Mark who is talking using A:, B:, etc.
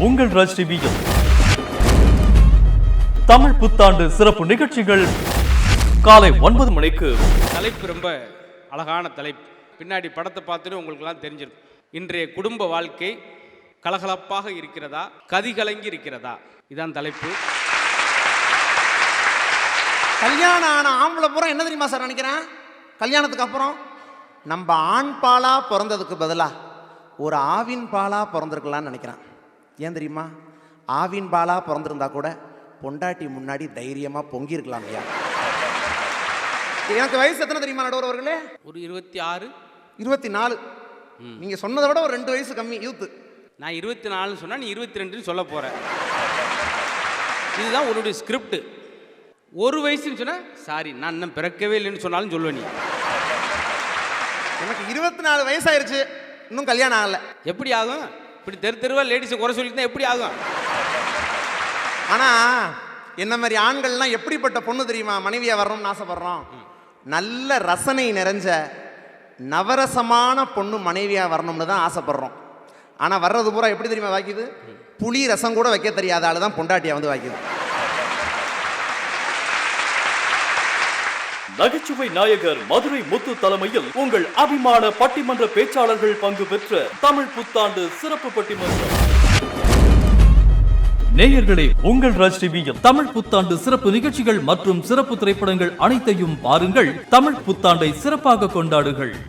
A: உங்கள் ராஜ் டிவியில் தமிழ் புத்தாண்டு சிறப்பு நிகழ்ச்சிகள் காலை 9 மணிக்கு.
B: தலைப்பு ரொம்ப அழகான தலைப்பு. பின்னாடி படத்தை பார்த்துட்டு உங்களுக்கெல்லாம் தெரிஞ்சிருக்கும். இன்றைய குடும்ப வாழ்க்கை கலகலப்பாக இருக்கிறதா, கதிகலங்கி இருக்கிறதா? இதான் தலைப்பு.
C: கல்யாணம் ஆன ஆம்பளை பூரா என்ன தெரியுமா சார் நினைக்கிறேன்? கல்யாணத்துக்கு அப்புறம் நம்ம ஆண் பாலா பிறந்ததுக்கு பதிலாக ஒரு ஆவின் பாலா பிறந்திருக்கலான்னு நினைக்கிறேன். ஏன் தெரியுமா? ஆவின் பாலா பிறந்திருந்தா கூட பொண்டாட்டி முன்னாடி தைரியமாக பொங்கியிருக்கலாம் இல்லையா? எனக்கு வயசு எத்தனை தெரியுமா நடுவர் அவர்களே?
B: ஒரு 26
C: 24. நீங்கள் சொன்னதை விட ஒரு 2 வயசு கம்மி யூத்து.
B: நான் 24 சொன்னா நீ 22 சொல்ல போற. இதுதான் உன்னுடைய ஸ்கிரிப்ட். ஒரு வயசுன்னு சொன்னா சாரி நான் இன்னும் பிறக்கவே இல்லைன்னு சொன்னாலும் சொல்லுவேன் நீ.
C: எனக்கு 24 வயசாயிருச்சு, இன்னும் கல்யாணம் ஆகலை.
B: எப்படி ஆகும்? இப்படி தெருவா லேடிஸை குறை சொல்லிட்டு எப்படி ஆகும்?
C: ஆனால் என்ன மாதிரி ஆண்கள்லாம் எப்படிப்பட்ட பொண்ணு தெரியுமா மனைவியாக வரணும்னு ஆசைப்படுறோம்? நல்ல ரசனை நிறைஞ்ச நவரசமான பொண்ணு மனைவியாக வரணும்னு தான் ஆசைப்படுறோம். ஆனால் வர்றது பூரா எப்படி தெரியுமா வாக்கிது? புளி ரசம் கூட வைக்க தெரியாத ஆள் தான் பொண்டாட்டியாக வந்து வாக்கிது.
A: நகைச்சுவை நாயகர் மதுரை முத்து தலைமையில் உங்கள் அபிமான பட்டிமன்ற பேச்சாளர்கள் பங்கு பெற்ற தமிழ் புத்தாண்டு சிறப்பு பட்டிமன்றம். நேயர்களே, உங்கள் ராஜ் டிவியில் தமிழ் புத்தாண்டு சிறப்பு நிகழ்ச்சிகள் மற்றும் சிறப்பு திரைப்படங்கள் அனைத்தையும் பாருங்கள். தமிழ் புத்தாண்டை சிறப்பாக கொண்டாடுங்கள்.